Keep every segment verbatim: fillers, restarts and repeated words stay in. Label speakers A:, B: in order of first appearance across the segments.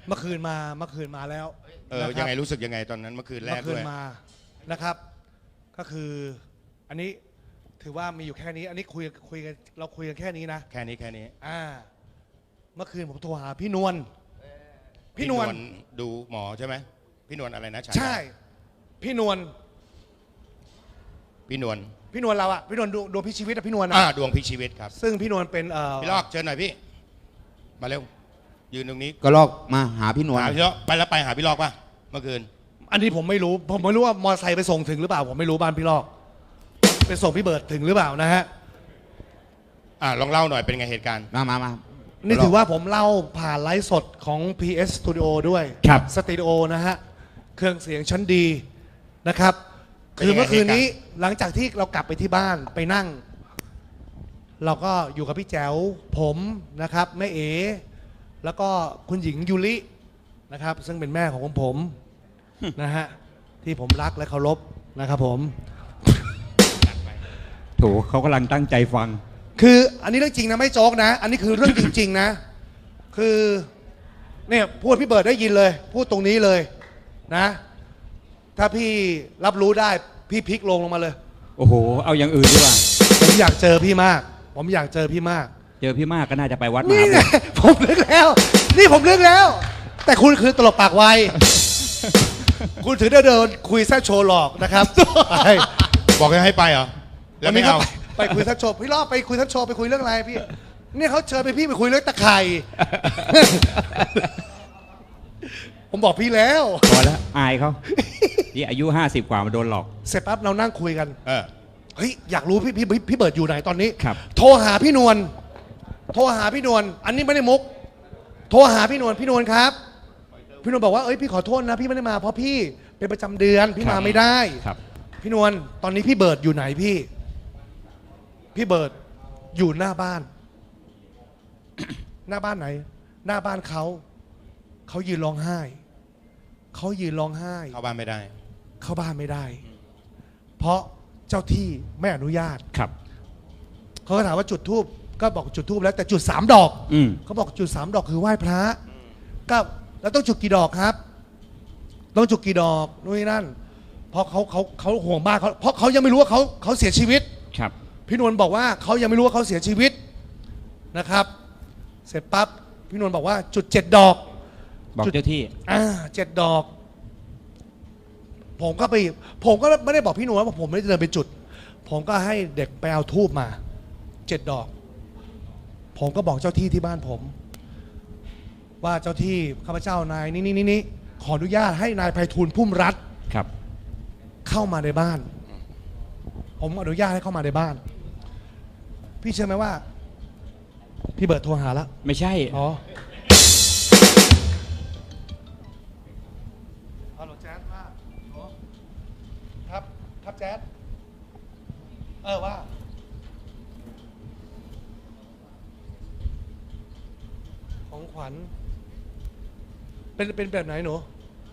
A: เมื่อคืนมาเมื่อคืนมาแล้ว
B: เออยังไงรู้สึกยังไงตอนนั้นเมื่อคืนแรกด้วย
A: เมื่อคืนมานะครับ ก็คืออันนี้ถือว่ามีอยู่แค่นี้ อันนี้คุยคุยกันเราคุยกันแค่นี้นะ
B: แค่นี้แค่นี้
A: อ่าเมื่อคืนผมโทรหาพี่นวลพี่นวล
B: ดูหมอใช่ไหมพี่นวลอะไรนะ
A: ใช่พี่นวล
B: พี่นวล
A: พี่นวลเราอะพี่นวลดวงดวงพิชีวิตอะพี่นวล
B: อ่าดวงพิชีวิตครับ
A: ซึ่งพี่นวลเป็นเอ่อ
B: พี่ลอกเชิญหน่อยพี่มาเร็วยืนตรงนี้
C: ก็ลอกมาหาพี่นวล
B: หาพี่ลอกไปแล้วไปหาพี่ลอกป่ะเมื่อคืน
A: อันนี้ผมไม่รู้ผมไม่รู้ว่ามอเตอร์ไซค์ไปส่งถึงหรือเปล่าผมไม่รู้บ้านพี่ลอกไปส่งพี่เบิร์ดถึงหรือเปล่านะฮะ
B: อ่าลองเล่าหน่อยเป็นไงเหตุการณ์
C: มามามา
A: นี่ถือว่าผมเล่าผ่านไลฟ์สดของ พี เอส Studio ด้วย
C: ครับ
A: สตูดิโอนะฮะเครื่องเสียงชั้นดีนะครับคือเมื่อคืนนี้หลังจากที่เรากลับไปที่บ้านไปนั่ง เราก็อยู่กับพี่แจ๋วผมนะครับแม่เอ๋แล้วก็คุณหญิงยูรินะครับซึ่งเป็นแม่ของผมนะฮะที่ผมรักและเคารพนะครับผม
C: โถเขากำลังตั้งใจฟัง
A: คืออันนี้เรื่องจริงนะไม่โจ๊กนะอันนี้คือเรื่องจริงๆนะคือเนี่ยพูดพี่เบิร์ดได้ยินเลยพูดตรงนี้เลยนะถ้าพี่รับรู้ได้พี่พลิกลงลงมาเลย
C: โอ้โหเอาอย่างอื่นดีกว่า
A: ผมอยากเจอพี่มากผมอยากเจอพี่มาก
C: เจอพี่มากก็น่าจะไปวัด
A: นี่ไงผมเลือกแล้วนี่ผมเลือกแล้วแต่คุณคือตลกปากไวคุณถือเดินคุยแซ่โชว์หลอกนะครับ
B: บอกให้ไปเหรอแล้วไม่เอา
A: ไปคุยทัชโชว์พี่รอบไปคุยทัชโชว์ไปคุยเรื่องอะไรพี่เนี่ยเขาเชิญไปพี่ไปคุยเรื่องตะไคร่ผมบอกพี่แล้ว
C: พอแล้วอายเขาที่อายุห้าสิบกว่ามาโดนหลอก
A: เสร็จปั๊บเรานั่งคุยกัน
B: เออ
A: เฮ้ยอยากรู้พี่พี่พี่เบิร์ดอยู่ไหนตอนนี้
C: ครับ
A: โทรหาพี่นวลโทรหาพี่นวลอันนี้ไม่ได้มุกโทรหาพี่นวลพี่นวลครับพี่นวลบอกว่าเอ้ยพี่ขอโทษนะพี่ไม่ได้มาเพราะพี่เป็นประจำเดือนพี่มาไม่ได้
C: ครับ
A: พี่นวลตอนนี้พี่เบิร์ดอยู่ไหนพี่พี่เบิร์ดอยู่หน้าบ้าน หน้าบ้านไหนหน้าบ้านเขาเขายืนร้องไห้เขายืนร้องไห้
B: เข้าบ้านไม่ได้
A: เข้าบ้านไม่ได้เพราะเจ้าที่ไม่อนุญาต
C: ครับ
A: เขาก็ถามว่าจุดธูปก็บอกจุดธูปแล้วแต่จุดสามดอกเขาบอกจุดสามดอกคือไหว้พระก็แล้วต้องจุดกี่ดอกครับต้องจุดกี่ดอกนู่นนี่นั่นเพราะเขาเขาเขาห่วงบ้านเขาเพราะเขายังไม่รู้ว่าเขาเขาเสียชีวิต
C: ครับ
A: พี่นวลบอกว่าเขายังไม่รู้ว่าเขาเสียชีวิตนะครับเสร็จปั๊บพี่นวลบอกว่าจุดเจ็ดดอก
C: บอกเจ้าที่
A: อ่าเจ็ดดอกผมก็ไปผมก็ไม่ได้บอกพี่นวลว่าผมไม่ได้เดินไปจุดผมก็ให้เด็กไปเอาธูปมาเจ็ดดอกผมก็บอกเจ้าที่ที่บ้านผมว่าเจ้าที่ข้าพเจ้านายนี่นี่นี่ขออนุญาตให้นายไพฑูรย์พุ่มรัตน์
C: ครับ
A: เข้ามาในบ้านผมอนุญาตให้เข้ามาในบ้านพี่เชื่อไหมว่าพี่เบิร์ดโทรหาแล้ว
C: ไม่ใช่
A: อ๋อฮัลโหลแจ๊ดว่าครับครับแจ๊ดเออว่าของขวัญเป็นเป็นแบบไหนหนู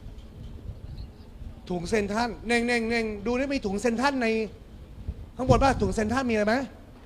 A: ถุงเซนท่านเน่งเน่งเน่งดูได้มีถุงเซนท่านในข้างบนป่ะถุงเซนท่านมีอะไรไหม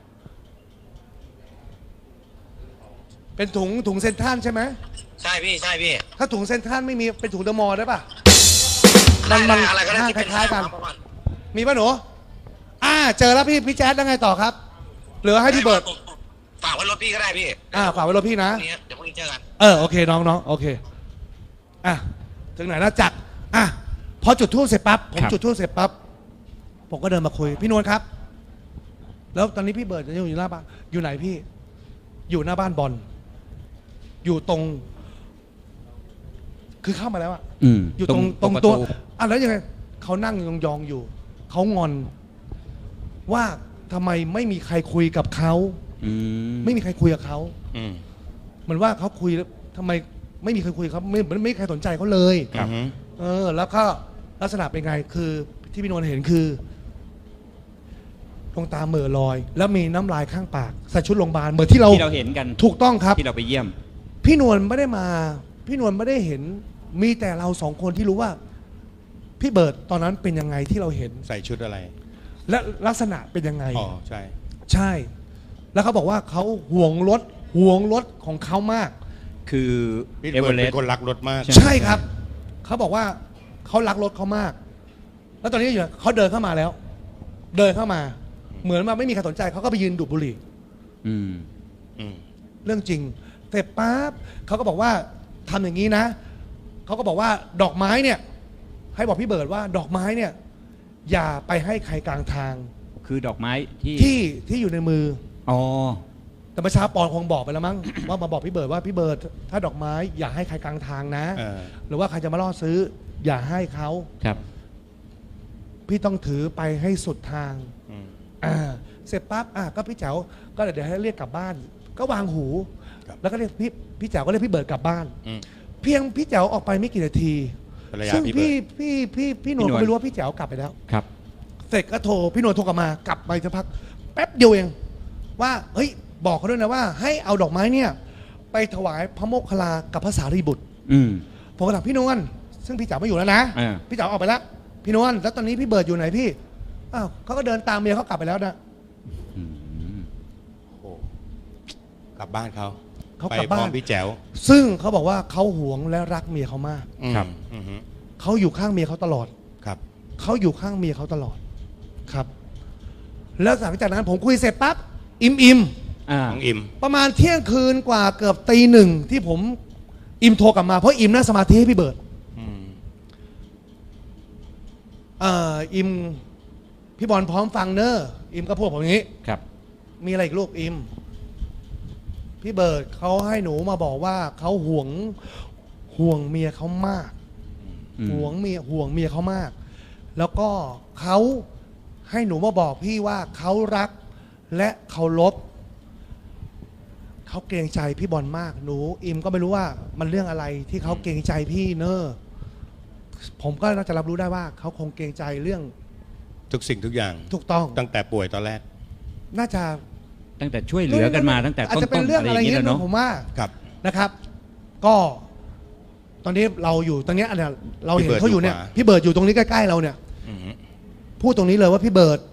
A: เป็นถุงถุงเซนท่านใช่ไหม
D: ใช่พี่ใช่พี่
A: ถ้าถุงเซนท่านไม่มีเป็นถุงเดอะมอลล์ได้ป่ะมันมันห้างคล้ายๆกันมีป่ะหนูอ่าเจอแล้วพี่พี่แจ๊ดแล้วไงต่อครับเหลือให้พี่เบิร์ด
D: ฝากไว้รถพี่ก็ได้พี่
A: อ่าฝากไว้รถพี่นะ
D: เดี๋ยวพรุ่งนี้เจอกัน
A: เออโอเคน้องน้องโอเคอ่ะถึงไหนแล้วจักรอ่ะพอจุดธูปเสร็จปั๊บผมจุดธูปเสร็จปั๊บผมก็เดินมาคุยพี่นวลครับแล้วตอนนี้พี่เบิร์ดจะอยู่หน้าบ้านอยู่ไหนพี่อยู่หน้าบ้านบอลอยู่ตรงคือเข้ามาแล้วอะอยู่ตรงตรงตัวอ่ะแล้วยังไงเขานั่งยองๆอยู่เขางอนว่าทำไมไม่มีใครคุยกับเขาไม่มีใครคุยกับเขาเหมือนว่าเขาคุยแล้วทำไมไม่มีใครคุยเขาไม่ไม่มีใครสนใจเขาเลยเออแล้วก็ลักษณะเป็นไงคือที่พี่นวลเห็นคือดวงตาเหม่อลอยแล้วมีน้ำลายข้างปากใส่ชุดโรงพยาบาลเหมือนที่เรา
C: ที่เราเห็นกัน
A: ถูกต้องครับ
C: ที่เราไปเยี่ยม
A: พี่นวลไม่ได้มาพี่นวลไม่ได้เห็นมีแต่เราสองคนที่รู้ว่าพี่เบิร์ดตอนนั้นเป็นยังไงที่เราเห็น
B: ใส่ชุดอะไร
A: และลักษณะเป็นยังไง
B: อ๋อใช่
A: ใช่แล้วเขาบอกว่าเขาห่วงรถห่วงรถของเขามาก
C: คือ
B: พี่
C: เอเว
B: เบิ
C: อ
B: ร์ด
C: เร
B: เป็
C: สต์
B: นคนรักรถมาก
C: ใช่
A: ใช่ครับ เขาบอกว่าเขารักรถเขามาก แล้วตอนนี้อยู่เขาเดินเข้ามาแล้ว เดินเข้ามา เหมือนว่าไม่มีใครสนใจเขาก็ไปยืนดูดบุหรี่
C: อืม
B: อืม
A: เรื่องจริงเสร็จปั๊บเขาก็บอกว่าทำอย่างนี้นะเขาก็บอกว่าดอกไม้เนี่ย ให้บอกพี่เบิร์ดว่าดอกไม้เนี่ย อย่าไปให้ใครกลางทาง
C: คือดอกไม้ที่
A: ที่ที่อยู่ในมือ
C: อ๋อ
A: แต่ประชาปอนคงบอกไปแล้วมั้ง ว่ามาบอกพี่เบิร์ดว่าพี่เบิร์ดถ้าดอกไม้อย่าให้ใครกลางทางนะ
B: เออ
A: หรือว่าใครจะมาล่อซื้อ อย่าให้เขา
C: ครับ
A: พี่ต้องถือไปให้สุดทาง
B: อืม
A: อ่าเสร็จปั๊บอ่ะก็พี่แจ๋วก็เดี๋ยวให้เรียกกลับบ้าน ก็วางหู
B: ครับ
A: แล้วก็เรียกพี่พี่แจ๋วก็เรียกพี่เบิร์ดกลับบ้าน
B: อืม
A: เพียงพี่แจ๋วออกไปไม่กี่นาที
B: ภรรยา
A: ซึ่ง
B: พี่
A: พี่
B: เบิร์ด
A: พี่พี่พี่หนวล
C: พี่หนวล
A: ก็ไม่รู้ว่าพี่แจ๋วกลับไปแล้ว
C: ครับ
A: เสร็จก็โทรพี่หนวลโทรกลับมากลับไปสักพักแป๊บเดียวเอง ว่าเฮ้ยบอกเขาด้วยนะว่า ให้เอาดอกไม้เนี่ย ไปถวายพระโมคคัลลากับพระสารีบุตร
C: อืม
A: ผมก็ถามพี่นวลซึ่งพี่แจ๋วไม่อยู่แล้วนะ
C: อ่า
A: พี่แจ๋วออกไปแล้ว พี่นวลแล้วตอนนี้พี่เบิร์ดอยู่ไหนพี่อ้าวเขาก็เดินตามเมียเขากลับไปแล้วนะ
C: อืม
B: โอ้กลับบ้านเขา
A: เขา
B: ไป
A: กลับ
B: พร้
A: บ้า
B: อน มพี่แจ๋ว
A: ซึ่งเขาบอกว่าเขาหวงและรักเมียเขามาก
B: อืม
C: ครับ
B: อืมฮึ
A: เขาอยู่ข้างเมียเขาตลอด
B: ครับ
A: เขาอยู่ข้างเมียเขาตลอดครับ แล้วหลังจากนั้นผมคุยเสร็จปั๊บอิมอิม
C: อ่า
B: น้องอิม
A: ประมาณเที่ยงคืนกว่าเกือบตีหนึ่งที่ผมอิมโทรกลับมาเพราะอิมนั่งสมาธิให้พี่เบิร์ด
B: อืม
A: เอ่ออิมพี่บอลพร้อมฟังเนอะอิมก็พูดผมอย่างนี้
C: ครับ
A: มีอะไรอีกลูกอิมพี่เบิร์ดเขาให้หนูมาบอกว่าเขาห่วงห่วงเมียเขามาก
C: อืม
A: ห่วงเมียห่วงเมียเขามาก แล้วก็เขาให้หนูมาบอกพี่ว่าเขารักและเคารพเขาเกรงใจพี่บอลมาก หนูอิมก็ไม่รู้ว่ามันเรื่องอะไรที่เขาเกรงใจพี่เนอะผมก็น่าจะรับรู้ได้ว่าเขาคงเกรงใจเรื่อง
B: ทุกสิ่งทุกอย่าง
A: ถูกต้อง
B: ตั้งแต่ป่วยตอนแรก
A: น่าจะ
C: ตั้งแต่ช่วยเหลือกันมาตั้งแต่
A: อาจ
C: ต้
A: จะเป็น
C: นๆ
A: เรื่อง
C: อะ
A: อะไร ไร
C: อย่าง
A: เงี้
C: นี้
A: ย
C: แล้ว
A: นะ
C: เนาะ
A: ผมว่า
B: ครับ
A: นะครับ ก็ตอนนี้เราอยู่ตรงเนี้ยเนี่ยเราเห็น
B: พี่เบิร์ด
A: เขาอยู่เนี่ย
B: อยู่ขวา
A: พี่เบิร์ดอยู่ตรงนี้ใกล้ๆเราเนี่ย
B: อืมฮึ
A: พูดตรงนี้เลยว่าพี่เบิร์ด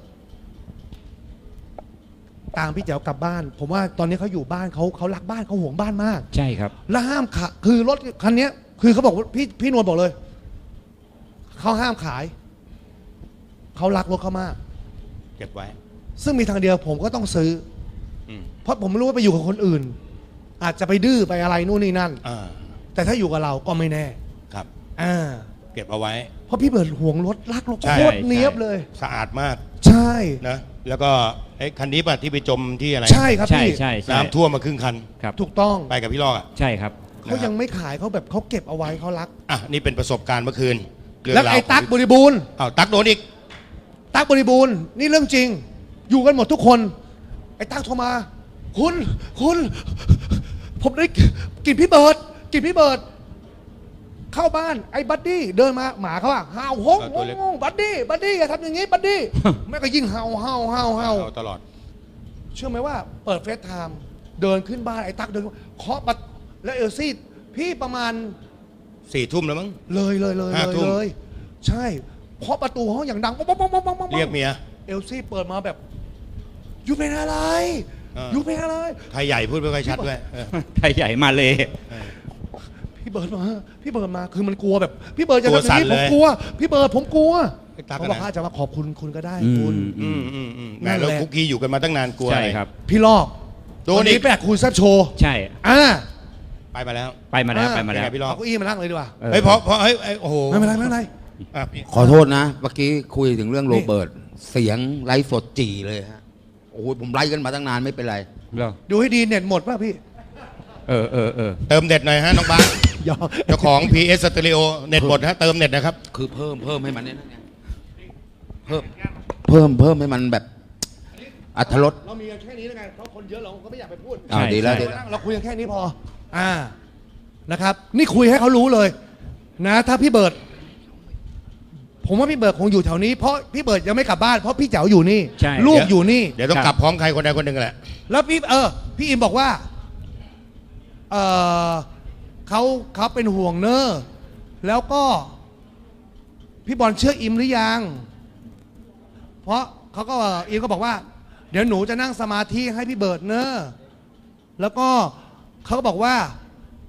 A: ตามพี่แจ๋วกลับบ้าน ผมว่าตอนนี้เขาอยู่บ้านเขาเขารักบ้านเขาห่วงบ้านมาก
C: ใช่ครับ
A: และห้ามขายคือรถคันเนี้ย คือเขาบอกว่าพี่พี่นวลบอกเลยเขาห้ามขายเขารักรถเขามาก
B: เก็บไว้
A: ซึ่งมีทางเดียวผมก็ต้องซื้อ
B: อืม
A: เพราะผมไม่รู้ว่าไปอยู่กับคนอื่น อาจจะไปดื้อไปอะไรนู่นนี่นั่น
B: อ่า
A: แต่ถ้าอยู่กับเราก็ไม่แน่
B: ครับ
A: อ่า
B: เก็บเอาไว้
A: เพราะพี่เบิร์ดห่วงรถรักรถ
B: ใช่
A: โคตรเนี้ยบเลย
B: สะอาดมาก
A: ใช่
B: นะ แล้วก็ไอ้คันนี้ป่ะที่ไปจมที่อะไร
A: ใช่ครับ
C: ใช่
A: พี่
C: ใช่ใช่
B: น้ำท่วมมาครึ่งคัน
C: ครับ
A: ถูกต้อง
B: ไปกับพี่ลอกอ่ะ
C: ใช่ครับ
A: เขายังไม่ขายเขาแบบเขาเก็บเอาไว้เขารัก
B: อ่ะ นี่เป็นประสบการณ์เมื่อคืนเรื่อง
A: แล้ว
B: ราว
A: ไอ้ตั๊ก
B: ข
A: บ
B: อง
A: ริบูรณ์
B: อ้าวตั๊กโดนอีก
A: ตั๊กบริบูรณ์นี่เรื่องจริง อยู่กันหมดทุกคน ไอ้ตั๊กโทรมา คุณคุณ ผมได้กลินพี่เบิร์ดกลินพี่เบิร์ดเข้าบ้านไอ้บัดดี้เดินมาหมาเขาอะเห่าฮง
B: เออ
A: ฮ
B: ตัว
A: ง
B: เล็ก
A: ฮงบัดดี้บัดดี้อย่าทำอย่างนี้บัดดี้ แม่ก็ยิ่งเห่าเห่าเห่าเห่า
B: เอาตลอด
A: เชื่อไหมว่าเปิดเฟซไทม์เดินขึ้นบ้านไอ้ตั๊กเดินเคาะประตูแล้วเอลซี่พี่ประมาณ
B: สี่ทุ่มแล้วมั้ง
A: เลยเลยเลย
B: ห้า
A: เลย
B: ทุ่ม
A: เลย ใช่เคาะประตูห้องอย่างดังป๊อกป๊อกป๊อกป๊อกป๊อกป๊อก
B: เรียกเมีย
A: เอลซี่เปิดมาแบบอยู่เป็นอะไร
B: เออ
A: อ
B: อ
A: ยู่เป็นอะไร
B: ไทยใหญ่พูดไม่ค่อยชัดด้วยเออ
C: ไทยใหญ่มาเลย
B: เออ
A: พี่เบิร์ดมาพี่เบิร์ดมาคือมันกลัวแบบ พี่เบิร์ดจะ
B: ตัว
A: ทำอย่างนี้
B: สั่น
A: ผ
B: เลย
A: มกลัว พี่เบิร์ดผมกลัว
B: ไอ้ตั๊ก
A: เขา
B: อะ
A: บอก
B: นะ
A: ว่าจะมาขอบคุณคุณก็ได้
C: อืม
A: คุณ
B: อืมอืมอืมแห
A: นั่
B: ม่
A: นแหละ
B: เราคุกกี้อยู่กันมาตั้งนานกลัว
C: ใช่
B: อะไร
C: ครับ
A: พี่ลอก
B: โดนอีก
A: วัแปลกคุณแซบโชว์
C: ใช่
A: อ่า
B: ไปมาแล้ว
C: ไปมาแล้ว
A: อ่า
C: ไปมาแล้ว
B: เป็นไงพี่ล
A: เอาเก้าอี้มานั่งเลยดีกว่า
C: ออ
B: เฮ้ยเพราะเพราะเฮ้ยเอ้ยโอ้โห
A: ไม่เป็นไรไม่เป็นไร
B: อ่ะพี่
E: ขอโทษนะ เมื่อกี้คุยถึงเรื่องโรเบิร์ต เสียงไลฟ์สดจีเลยฮะ โอ้โหผมไลฟ์กันมาตั้งนานไม่เป็นไร
C: เหรอ
A: ดูให้ดีเน็ตหมดป่ะพี่
C: เออเออเออ
B: เติมเน็ตหน่อยฮะน้องบ้าส
A: ยอม
B: เจ้าของ พี เอส Stereo เน็ตหมดฮะเติมเน็ตนะครับ
E: คือเพิ่มเพิ่มให้มันเนี่ยนะเนี่ยเพิ่มเพิ่มเพิ่มให้มันแบบอัธรส
A: เรามีกันแค่นี้แล้วไงเพราะคนเยอะเราก็ไม่อยากไปพูด
E: อ่าดีแล้ว
C: ใช่
E: ดี
A: เรา
E: แล้ว
A: นั่งเราคุยกันแค่นี้พอ อ่า นะครับ นี่คุยให้เขารู้เลย นะ ถ้าพี่เบิร์ด ผมว่าพี่เบิร์ดคงอยู่แถวนี้ เพราะพี่เบิร์ดยังไม่กลับบ้าน เพราะพี่เจ๋วอยู่นี่
C: ใช่
A: ลูกอยู่นี่
B: เดี๋ยวต้อง
C: ครับ
B: กลับพร้อมใครคนใดคนหนึ่งแหละ
A: แล้วพี่ เออ พี่อิมบอกว่า เออเขาเขาเป็นห่วงเนอะแล้วก็ พี่บอลเชื่ออิมหรือยัง เพราะเขาก็อิมก็บอกว่า เดี๋ยวหนูจะนั่งสมาธิให้พี่เบิร์ดเนอะแล้วก็เขาก็บอกว่า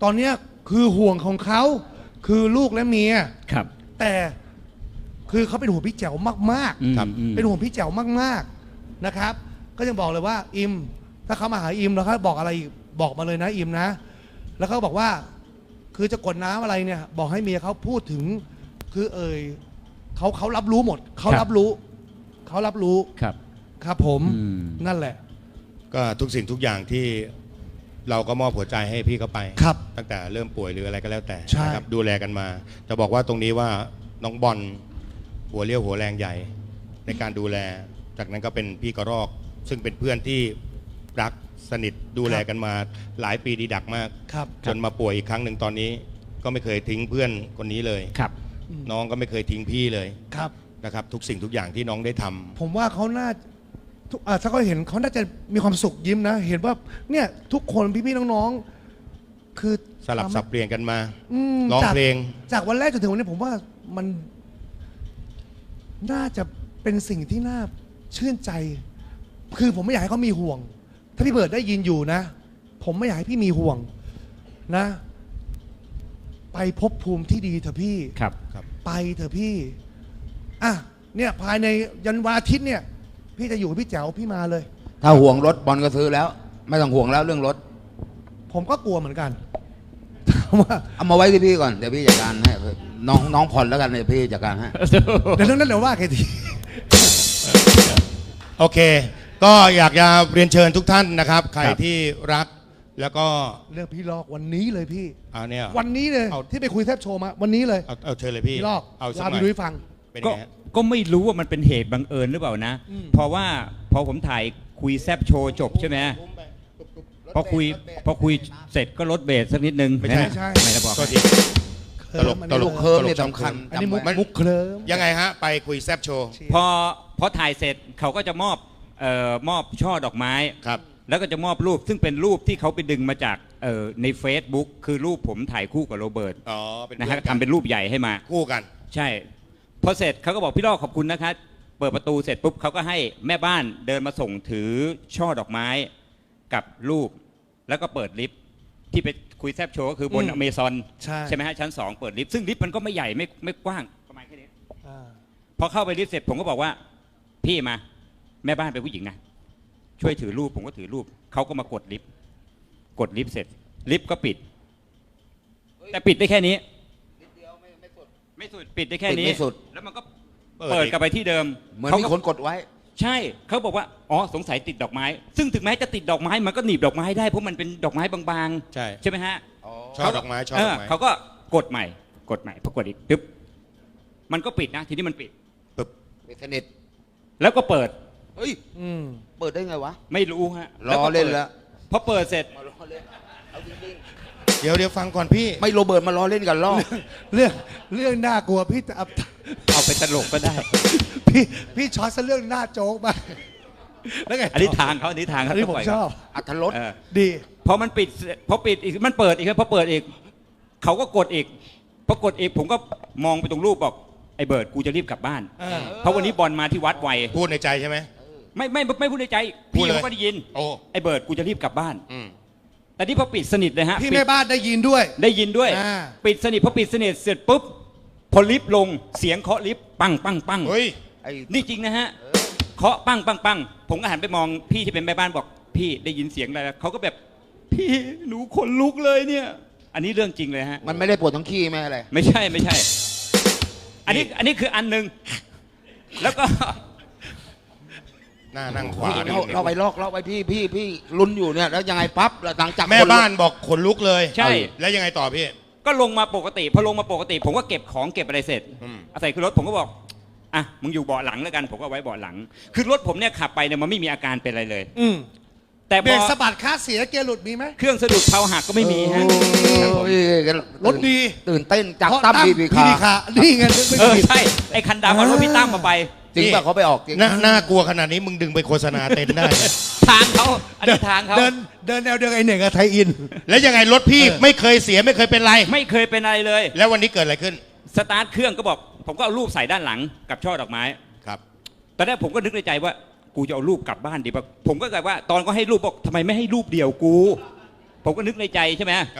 A: ตอนเนี้ยคือห่วงของเขาคือลูกและเมีย
C: ครับ
A: แต่คือเขาเป็นห่วงพี่แจ๋วมาก
C: อืม
B: ครับ
C: อืม
A: ๆ เป็นห่วงพี่แจ๋วมากๆนะครับ ก็ยังบอกเลยว่าอิมถ้าเขามาหาอิมแล้วเขาบอกอะไรอีกบอกมาเลยนะอิมนะ แล้วเขาบอกว่าคือจะกดน้ำอะไรเนี่ย บอกให้เมียเขาพูดถึงคือเอ่ยเขาเขารับรู้หมดเขารับรู้เขารับรู้
C: ครับ
A: ครับผม
C: อืม
A: นั่นแหละ
B: ก็ทุกสิ่งทุกอย่างที่เราก็มอบหัวใจให้พี่เขาไป
A: ครับ
B: ตั้งแต่เริ่มป่วยหรืออะไรก็แล้วแต่
A: ใช่
B: นะครับดูแลกันมาจะบอกว่าตรงนี้ว่าน้องบอลหัวเรี่ยวหัวแรงใหญ่ ในการดูแล จากนั้นก็เป็นพี่กระรอก ซึ่งเป็นเพื่อนที่รักสนิทดูแลกันมาหลายปีดีดักมาก
A: ครับ
B: จนมาป่วยอีกครั้งหนึ่งตอนนี้ ก็ไม่เคยทิ้งเพื่อนคนนี้เลย
C: ครับ
B: น้องก็ไม่เคยทิ้งพี่เลย
A: ครับ
B: นะครับ ทุกสิ่งทุกอย่างที่น้องได้ทำ
A: ผมว่าเขาน่าทุกอ่ะถ้าเขาเห็นเขาน่าจะมีความสุขยิ้มนะ เห็นว่าเนี่ยทุกคนพี่ๆน้องๆคือ
B: สลับสับเปลี่ยนกันมา
A: อืม
B: ร้อง
A: จาก
B: เพลง
A: จากวันแรกจนถึงวันนี้ผมว่ามันน่าจะเป็นสิ่งที่น่าชื่นใจ คือผมไม่อยากให้เขามีห่วง ถ้าพี่เบิร์ดได้ยินอยู่นะ ผมไม่อยากให้พี่มีห่วงนะ ไปภพภูมิที่ดีเถอะพี่
C: ครับ
A: ไปเถอะพี่ อ่ะ เนี่ยภายในยันวันอาทิตย์เนี่ย พี่จะอยู่กับพี่แจ๋วพี่มาเลย
E: ถ้าห่วงรถบอลก็ซื้อแล้ว ไม่ต้องห่วงแล้วเรื่องรถ
A: ผมก็กลัวเหมือนกัน ถามว่า
E: เอามาไว้ที่พี่ก่อนเดี๋ยวพี่จัดการให้น้องน้องผ่อนแล้วกันเดี๋ยวพี่จัดการให้
A: เดี๋ยวเรื่องนั้นเดี๋ยวว่ากันที
B: โอเค ก็อยากจะเรียนเชิญทุกท่านนะครับ ใคร
C: ครับ
B: ที่รักแล้วก็
A: เรื่องพี่ลอกวันนี้เลยพี่
B: เอาเนี่ย
A: วันนี้เลย
B: เอา
A: ที่ไปคุยแทบโชว์มา วันนี้เลย
B: เอาเอาเชิญเลยพี่
A: พี่ลอก
B: เอาสัก
A: ลา
B: หน่
A: พี่
B: อย
A: ดุ้ยฟัง
B: เป็น
C: ก็
B: ไงฮะ
C: ก็ไม่รู้ว่ามันเป็นเหตุบังเอิญหรือเปล่านะ
A: อืม
C: เพราะว่าพอผมถ่ายคุยแซบโชว์จบใช่ไหมพอคุยพอคุยเสร็จก็ลดเบสสักนิดนึง
B: ไม่ใช่
C: นะไม่ได้บอก
B: ก็ทีตลกตลก
E: เคิร์มนี่
B: ตลก
E: สำคัญ
A: อันนี้มุก
E: จำไว้
A: มุกเคลิ้ม
B: ยังไงฮะ ไปคุยแซบโชว์
C: พอพอถ่ายเสร็จเขาก็จะมอบเอ่อมอบช่อดอกไม้
B: ครับ
C: แล้วก็จะมอบรูปซึ่งเป็นรูปที่เขาไปดึงมาจากเอ่อใน Facebook คือรูปผมถ่ายคู่กับโรเบิร์ต
B: อ๋อ เป็น
C: นะฮะ
B: พื่อกั
C: ทำเป็นรูปใหญ่ให้มา
B: คู่กัน
C: ใช่พอเสร็จเขาก็บอกพี่ลอกขอบคุณนะคะเปิดประตูเสร็จปุ๊บเขาก็ให้แม่บ้านเดินมาส่งถือช่อดอกไม้กับรูป แล้วก็เปิดลิฟต์ที่ไปคุยแซบโชว์ก็คือบน
A: อืม
C: อเมซอน
A: ใช่
C: ใช่ไหมฮะชั้นสองเปิดลิฟต์ซึ่งลิฟต์มันก็ไม่ใหญ่ไม่ไม่กว้างประมาณแค่นี้
A: อ่า
C: พอเข้าไปลิฟต์เสร็จผมก็บอกว่าพี่มาแม่บ้านเป็นผู้หญิงนะช่วยถือรูปผมก็ถือรูปเขาก็มากดลิฟต์กดลิฟต์เสร็จลิฟต์ก็ปิด แต่ปิดได้แค่นี้ไม่สุดปิดได้แค่นี้
E: ปิดไม่สุด
C: แล้วมันก็
B: เปิด
C: เปิด
B: อีก
C: กลับไปที่เดิม
E: เหมือน
C: เขา
E: มี
C: ก็
E: คนกดไว้
C: ใช่เขาบอกว่าอ๋อสงสัยติดดอกไม้ ซึ่งถึงแม้จะติดดอกไม้มันก็หนีบดอกไม้ได้เพราะมันเป็นดอกไม้บาง
B: ใช่
C: ๆใช่ไหมฮะ
B: ช่อดอกไม้ช่อ
C: เอ
B: ดอ
C: อก
B: ไม้
C: เขาก็กดใหม่กดใหม่พอกดอีกปึ๊บมันก็ปิดนะทีนี้มันปิด
B: ปึ๊บ
E: ปิดสนิท
C: แล้วก็เปิด
E: เฮ้ย
A: อืม
E: เปิดได้ไงวะ
C: ไม่รู้ฮะ
E: ล้อเล่นแล้ว
C: พอเปิดเสร็จ
E: มาล้อเล่นเอาจริง
B: เดี๋ยวเดี๋ยวฟังก่อนพี่
E: ๆไม่โรเบิร์ตมาล้อเล่นกันล้อ
A: เรื่องเรื่องน่ากลัวพี่จะเอา
C: เอาไปตลกก็ได้
A: พี่พี่ช็อตซะเรื่องหน้าโจ๊กมาแล้วไง
C: อันนี้ทางเขาอันนี้ทาง
A: อั
C: เขา
A: นนี้ผม
C: ปล่ย
A: ชอบ
E: อัธรส
C: เออ
A: ดี
C: พอมันปิดเสร็จพอปิดอีกมันเปิดอีกครับพอเปิดอีกเขาก็กดอีกพอกดอีกผมก็มองไปตรงรูปบอกไอ้เบิร์ดกูจะรีบกลับบ้าน
A: เออ
C: เพราะวันนี้บอลมาที่วัดไว
B: พูดในใจใช่ไหม
C: ไม่ไม่ไม่พูดในใจ
B: พู
C: พี่
B: ดเลย
C: เขาก็ได้ยิน
B: โอ้
C: ไอ้เบิร์ดกูจะรีบกลับบ้าน
B: อืม
C: แต่นี่พอปิดสนิทเลยฮะ
A: พี่
C: ปิด
A: แม่บ้านได้ยินด้วย
C: ได้ยินด้วย
A: อ่า
C: ปิดสนิทพอปิดสนิทเสร็จปุ๊บพอลิฟต์ลงเสียงเคาะลิฟต์ปังปังปัง
B: เฮ้ย
E: ไอ้
C: นี่จริงนะฮะเคาะปังปังปังผมก็หันไปมองพี่ที่เป็นแม่บ้านบอก พี่ได้ยินเสียงอะไรเขาก็แบบพี่หนูขนลุกเลยเนี่ย อันนี้เรื่องจริงเลยฮะ
E: มันไม่ได้ปวดทั้งขี้แม่อะไร
C: ไม่ใช่ไม่ใช่ อันนี้อันนี้คืออันหนึ่งแล้วก็
B: หน้านั่งขวา
E: เราเราไปลอกเราไปพี่พี่พี่ลุ้นอยู่เนี่ยแล้วยังไงปั๊บหลังจาก
B: แม่
E: คลุก
B: บ้านบอกขนลุกเลย
C: ใช่
B: แล้วยังไงต่อพี่
C: ก็ลงมาปกติพอลงมาปกติ ผมก็เก็บของเก็บอะไรเสร็จ
B: อืม
C: เอาใส่ขึ้นรถผมก็บอกอ่ะมึงอยู่เบาะหลังแล้วกันผมก็ไว้เบาะหลัง คือรถผมเนี่ยขับไปเนี่ยมันไม่มีอาการเป็นอะไรเลย
A: อืม
C: แต่
A: เบ
C: พ
A: ร
C: อก
A: สะบัดคาเสียเกียร์หลุดมีไหม
C: เครื่องสะดุดเพลาหักก็ไม่มีฮะ
E: โอ้ย
A: รถดี
E: ตื่นเต้นจาก
A: เพราะ
E: ตั้มบีบี
A: พี่
E: คา
A: นี่ไงนึกไม่
C: เออ
A: ผิด
C: ใช่ไอ้คันดำเอารถพี่ตั้มมาไป
E: จริงป่ะเขาไปออกจริง
B: น่าน่ากลัวขนาดนี้มึงดึงไปโฆษณาเต็นท์ได้นะ
C: ทางเขาอันนี้ทางเขา
A: เดินเดินแนวเดียวกับไอเหน่งกับไทยอิน
B: แล้วยังไงรถพี่ไม่เคยเสียไม่เคยเป็นไร
C: ไม่เคยเป็นอะไรเลย
B: แล้ววันนี้เกิดอะไรขึ้น
C: สตาร์ทเครื่องก็บอก ผมก็เอารูปใส่ด้านหลังกับช่อดอกไม้
B: ครับ
C: ตอนแรกผมก็นึกในใจว่ากูจะเอารูปกลับบ้านดีป่ะผมก็แบบว่าตอนก็ให้รูปบอกทำไมไม่ให้รูปเดียวกู ผมก็นึกในใจใช่ไหม
B: เอออ่
C: อ่ะ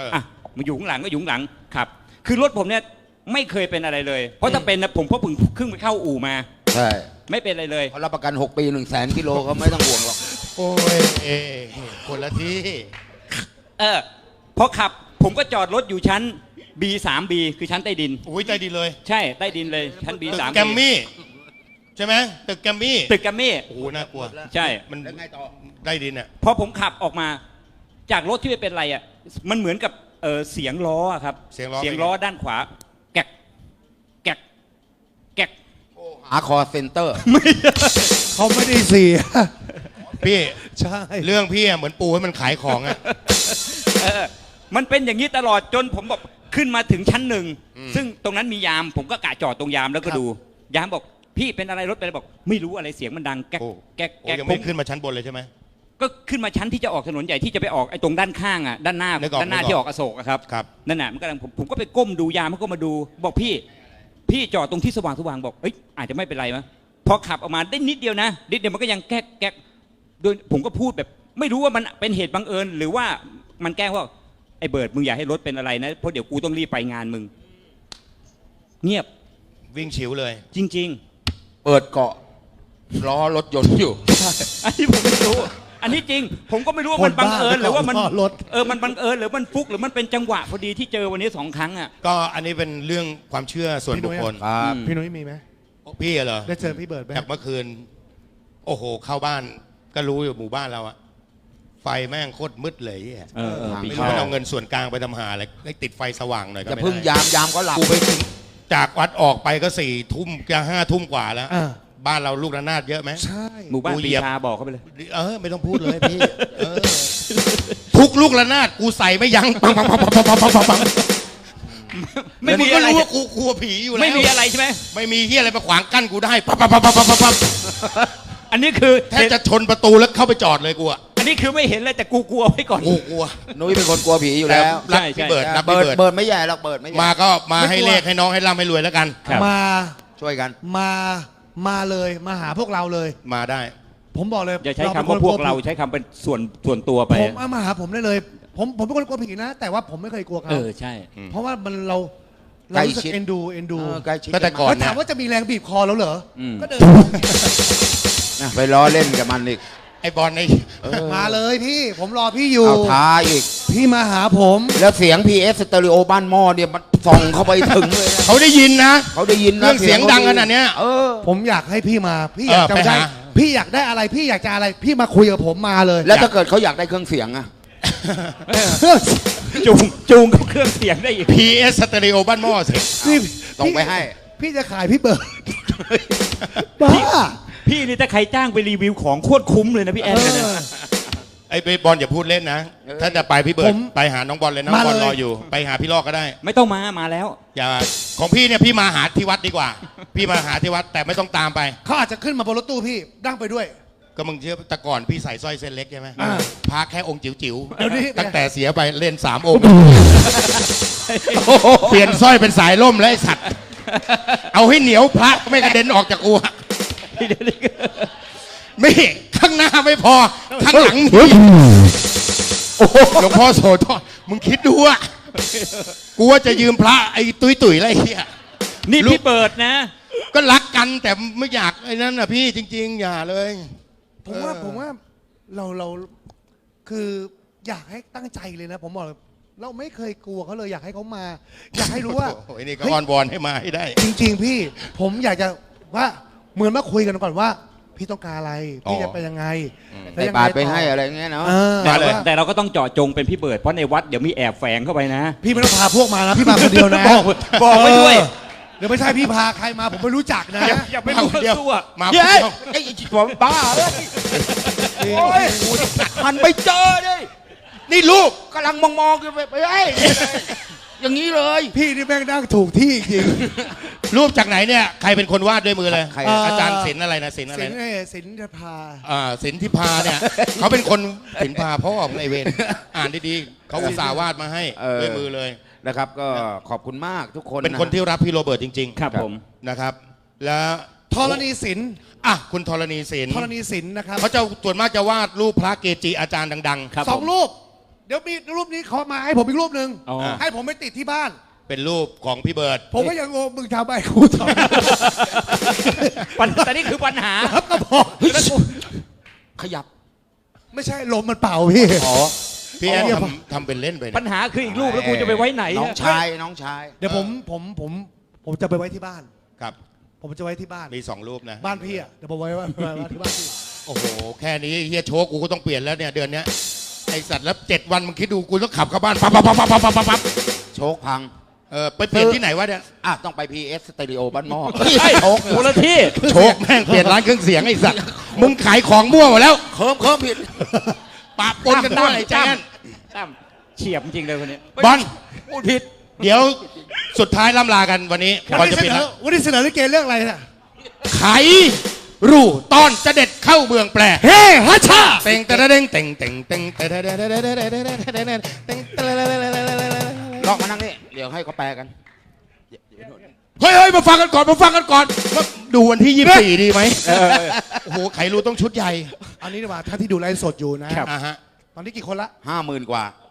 C: มันอยู่ข้างหลังก็อยู่ข้างหลังขับ คือรถผมเนี่ยไม่เคยเป็นอะไรเลย เพราะถ้าเป็นนะผมก็เพิ่งขึ้นไปเข้าอู่มา
E: ใช่
C: ไม่เป็นอะไรเลย
E: เขารับประกันหกปีหนึ่งแสนกิโลเขาไม่ต้องห่วงหรอก
B: โอ้ยเอ้คนละที่
C: เออพอขับผมก็จอดรถอยู่ชั้น บี สาม บี คือชั้นใต้ดิน
B: อุ้ยใจดีเลย
C: ใช่ใต้ดินเลยชั้น บี
B: ตึก
C: สาม
B: แกมมี่ใช่ไหมตึกแกมมี่
C: ตึกแกรมมี่
B: โอ้โหน่ากลัว
C: ใช่
B: มัน
E: แล้วไงต่อ
B: ได้ดินอ่ะ
C: พอผมขับออกมาจากรถที่ไม่เป็นไรอ่ะมันเหมือนกับเออเสียงล้ออะครับ
B: เสียงล้อ
C: เสียงล้อด้านขวาแกกแกกแกก
E: หาคอเซ็นเตอร์
A: เขาไม่ได้เสีย
B: พี่
A: ใช่
B: เรื่องพี่อะเหมือนปูให้มันขายของอ่ะ
C: เออมันเป็นอย่างนี้ตลอดจนผมบอกขึ้นมาถึงชั้นหนึ่ง
B: อืม
C: ซึ่งตรงนั้นมียามผมก็กะจอดตรงยามแล้วก็ดู ยามบอกพี่เป็นอะไรรถเป็นอะไรบอก ไม่รู้อะไรเสียงมันดังแก๊ก
B: โอ้
C: แก๊ก
B: โอ้
C: แก๊ก
B: ยัง
C: ผ
B: ไม่
C: ม
B: ขึ้นมาชั้นบนเลยใช่ไหม
C: ก็ขึ้นมาชั้นที่จะออกถนนใหญ่ที่จะไปออกไอ้ตรงด้านข้างอ่ะด้านหน้า
B: นึกออก
C: ด้านหน้า
B: นึกออก
C: ที่ออกอโศกอะครับ
B: ครับ
C: นั่นน่ะมันกำลังผมผมก็ไปก้มดูยามเขาก็มาดู บอกพี่ พี่จอดตรงที่สว่างสว่างบอกเอ้ยอาจจะไม่เป็นไรมั้ยพอขับออกมาได้นิดเดียวนะนิดเดียวมันก็ยังแก๊กแก๊กโดยผมก็พูดแบบไม่รู้ว่ามันเป็นเหตุบังเอิญหรือว่ามันแกล้งว่าไอ้เบิร์ดมึงอย่าให้รถเป็นอะไรนะเพราะเดี๋ยวกูต้องรีบไปงานมึงเงียบ
B: วิ่งฉิวเลย
C: จริง
E: เปิดเกาะล้อรถยนต์อยู่
C: ๆ อันนี้ผมไม่รู้ อันนี้จริง ผมก็ไม่รู้ว่ามันบังเอิญหรือว่ามันเออมันบังเอิญหรือมันฟุกหรือมันเป็นจังหวะพอดีที่เจอวันนี้สองครั้งอ่ะ
B: ก็อันนี้เป็นเรื่องความเชื่อส่วนบุคคล
E: ครับ
A: พี่นุ้ยมีไหม
B: พี่เหรอ
A: ได้เจอพี่เบิร์ดไหม
B: จากเมื่อคืน โอ้โห เข้าบ้านก็รู้อยู่หมู่บ้านเราอะไฟแม่งโคตรมืดเลยไอ้เหี้ย
C: เออเออ
B: ไม่
C: พี่
B: รู้
C: ชอบ
B: มันเอาเงินส่วนกลางไปทำหาอะไรให้ติดไฟสว่างหน่อยก็
E: อย่า
B: ไม่
E: เพึ่ง
B: ได้
E: ยามยามก็หลับ
B: กูไปถึงจากวัดออกไปก็สี่ทุ่มจะห้าทุ่มกว่าแล้ว
A: อ่า
B: บ้านเราลูกระนาดเยอะไหม
A: ใช่
C: หมู่บ้าน
B: กูเหยี
C: ปี
B: ยบ
C: ชาบอกเขาไปเลย
B: เออไม่ต้องพูดเลยพี่เออทุกลูกระนาดกูใส่ไม่ยั้งปังปังปังปังปังปังปังปัง
C: ไม่มี
B: งก็
C: อะไร
B: รู้ว่ากูกลัวผีอยู่แล้ว
C: ไม่มีอะไรใช่ไหม
B: ไม่มีเฮียอะไรมาขวางกั้นกูได้ปังปังปังปังปังปังปัง
C: อันนี้คือ
B: แทบจะชนประตูแล้วเข้าไปจอดเลยกูอะ
C: อันนี้คือไม่เห็นเลยแต่กูกลัวไว้ก่อน
B: กูกลัว
E: นุ้ยเป็นคนกลัวผีอยู่แล้ว
B: รัก
C: ใช่ใช่
B: พี่เบิร์ดรัก
E: เบิ
B: พี่
E: ร์ด
B: เบิร์ด
E: เบิร์ดไม่ใหญ่หรอกเบิร์ดไม่ใหญ่
B: มาก็มาให้เลขให้น้องให้ร่ำให้รวยแล้วกัน
C: ครับ
A: มา
E: ช่วยกัน
A: มามาเลยมาหาพวกเราเลย
B: มาได้
A: ผมบอกเลย
C: อย่าใช้
A: ป็น
C: คำว่าพวกเรา
A: ผี
C: ใช้คำเป็นส่วนส่วนตัวไป
A: ผมเอามาหาผมได้เลย ผมผมเป็นคนกลัวผีนะ แต่ว่าผมไม่เคยกลัว
C: เอ
A: เขา
C: อใช่
A: เพราะว่ามันเรา
E: ใก
A: เรา
E: ล้
A: รู้สึก
E: ชิด
A: เอ็นดูเอ็นดู
E: เออใกล้ชิด
B: ก็แต่ก่อน
A: แล้วถามว่าจะมีแรงบีบคอแล้วเหรออ
C: ม
A: ก็เดิน
E: นะไปล้อเล่นกับมันอีก
B: ไอ้บอลไอ้
E: เออ
A: มาเลยพี่ ผมรอพี่อยู่
E: เอาท้าอีก
A: พี่มาหาผม
E: แล้วเสียง พี เอส สเตอริโอบ้านหม้อเนี่ยมันส่องเข้าไปถึงเลยนะ
B: เขาได้ยินนะ
E: เขาได้ยินนะ
B: เรื่องเสียงดังขนาดเนี้ย
E: เออ
A: ผมอยากให้พี่มา พี่อยาก
B: เออ
A: จะ
B: ไป
A: ได้
B: หา
A: พี่อยากได้อะไร พี่อยากจะอะไร พี่มาคุยกับผมมาเลย
E: แล้วถ้าเกิดเขาอยากได้เครื่องเสียงอะ
C: จูงจูงกับเครื่องเสียงได้อีก
B: พี เอส สเตอริโอบ้านหม้อสิ
A: นี่
E: ส่งไปให้
A: พี่จะขายพี่เบิร์ดบ้า
C: พี่นี่ถ้าใครจ้างไปรีวิวของโคตรคุ้มเลยนะพี่แอนเนี่ยนะ
B: ไอ้บอลอย่าพูดเล่นนะ
E: เออ
B: ถ้าจะไปพี่เบิร์ดไปหาน้องบอลเลยน้องบอลรออยู่ ไปหาพี่ลอกก็ได้
C: ไม่ต้องมามาแล้ว
B: อย่าของพี่เนี่ยพี่มาหาที่วัดดีกว่า พี่มาหาที่วัดแต่ไม่ต้องตามไป
A: เขาอาจจะขึ้นมาบนรถตู้พี่นั่งไปด้วย
B: ก็มึงเชื่อแต่ก่อนพี่ใส่สร้อยเส้นเล็กใช่ไหม
A: อ่า
B: พาแค่องค์จิ๋ว
A: เดี๋ยวนี้
B: ๆตั้งแต่เสียไปเล่นสามองค์ เปลี่ยนสร้อยเป็นสายล่มแล้วไอ้สัตว์ เอาให้เหนียวพระไม่กระเด็นออกจากอัวไม่ข้างหน้าไม่พอ ข้างหลังนี่หลวงพ่อโสธรมึงคิดดูอะกูว่าจะยืมพระไอ้ตุ้ยตุ๋ยๆอะไรเงี้ย
C: นี่
B: ลูก
C: พี่เปิดนะ
B: ก็รักกันแต่ไม่อยากไอ้นั่นน่ะพี่จริง ๆ อย่าเลย
A: ผมว่า
B: เออ
A: ผมว่าเราเราคืออยากให้ตั้งใจเลยนะ ผมบอกเลยเราไม่เคยกลัวเขาเลยอยากให้เขามา อยากให้รู้ว่า
B: โอ้โหไอ้นี่ก็
A: เฮ้ย
B: อ้อนวอนให้มาให้ได้
A: จริง ๆ พี่ ผมอยากจะว่าเหมือนมาคุยกันก่อนว่า พี่ต้องการอะไรพี่จะไปยังไง
E: ใส่บาตรไปให้อะไรเงี้ยเนาะ
A: เออ
B: มาเลย
A: ว่า
C: แต่เราก็ต้องเจาะจงเป็นพี่เบิร์ดเพราะในวัดเดี๋ยวมีแอบแฝงเข้าไปนะ
A: พี่ไม่ต้องพาพวกมานะพี่มาคนเดียวนะ
C: บอกบอกไว้ด้วย
A: เออเดี๋ยวไม่ใช่พี่พาใครมาผมไม่รู้จักนะ
C: อย่าไปรู้
B: เดียว
C: ตัว
B: มาคน
E: เย้
B: เดียว
E: ไอ้ผมบ้าเลยโอ้ยมันไปเจอดิ
B: นี่ลูก
E: กำลังมองมองๆอยู่ไปไปไอ้อย่างนี้เลย
A: พี่นี่แม่งนั่งถูกที่จริง
B: รูปจากไหนเนี่ยใครเป็นคนวาดด้วยมือเลย
E: ใคร
A: เอ่อ
B: อาจารย์ศิลป์อะไรนะศิลป์อะไร
A: สิน
B: นะ
A: เอ้ยสินจะพา
B: อ่าศิลป์ทิพาเนี่ย เขาเป็นคนศิลป์พาพ่อของไอเวนอ่านดีๆเขาอุตส่าห์วาดมาให้
E: เออ
B: ด้วยมือเลย
E: นะครับ ก็ขอบคุณมากทุกคน
B: เป็นคนที่รับพี่โรเบิร์ตจริง
C: ครับผม
B: ๆนะครับ แล้ว
A: ธรณีศิลป์
B: อ่ะคุณธรณีศิลป์
A: ธรณีศิลป์นะครับ
B: เขาจะส่วนมากจะวาดรูปพระเกจิอาจารย์ดัง
C: ครับ
A: สอง
C: ผม
A: รูปดี๋ยวมีรูปนี้เขามาให้ผมอีกรูปหนึ่ง
C: อ๋อ
A: ให้ผมไปติดที่บ้าน
B: เป็นรูปของพี่เบิร์ด
A: ผมก็ยังงงมึงทำไอ้กูทำ
C: ปัญแต่นี่คือปัญหา
A: ครับก็บอก
E: ขยับ
A: ไม่ใช่ลมมันเป่าพี่
E: อ๋อ
B: พี่แอน
A: อ๋อ
B: ทำทำเป็นเล่นไป
C: ปั
B: นะ
C: ญหาคืออีกรูปแล้วกูจะไปไว้ไหน
E: น้อง
C: อะ
E: ชายน้องชาย
A: เดี๋ยวผมผมผมผมจะไปไว้ที่บ้าน
B: ครับ
A: ผมจะไว้ที่บ้าน
B: มีสองรูปนะ
A: บ้านพี่อ่ะเดี๋ยวผมไว้ไว้ไว้ไว้ที่บ้านพี่
B: โอ้โห แค่นี้เฮียโชคกูก็ต้องเปลี่ยนแล้วเนี่ยเดือนเนี้ยไอสัตว์แล้วเจ็ดวันมึงคิดดูกูต้องขับเข้าบ้านปั๊บปั๊บปั๊บปั๊บปั๊บปั๊บปั๊บ
E: โชคพัง
B: เออไปเปลี่ยนที่ไหนวะเนี่ย
E: อ่ะต้องไป พี เอส สเตอริโอบ้านหม้อ
C: ใช่คนละที่
B: โชคแม่งเปลี่ยนร้านเครื่องเสียงไอสัตว์มึงขายของมั่วหมดแล้ว
E: เคิมเคิมผิด
B: ปะปนกันด้วยไอ้แจ๊น
C: ตั้มเฉียบจริงเลยคนนี้
B: บอล
E: พูดผิด
B: เดี๋ยวสุดท้ายล่ำลากันวันนี้ก่อน
A: วัน
B: จะ
A: นี้เส
B: ปิด
A: นอ
B: แล้ว
A: วันนี้เสนอลิเกเรื่องอะไรน่ะ
B: ไขรูตอนจะเด็ดเข้าเมืองแปร
A: เฮ้ฮัชชา
B: เต็งเต็งเต็งเต็งเต็งเต็งเต็งเต็งเต็งเต็งเต็งเต็งเต็ง
E: ลอกมานั่งนี่ เดี๋ยวให้เขาแปลกัน
B: เฮ้ยเฮ้ยมาฟังกันก่อนมาฟังกันก่อนว่าดูวันที่ยี่สิบสี่ดีไหมโอ้โหไขรูต้องชุดใหญ่
A: อันนี้ดีกว่าท่านที่ดูไลฟ์สดอยู่นะ
B: อ่าฮะ
A: ตอนนี้กี่คนละ
E: ห้าหมื่นกว่า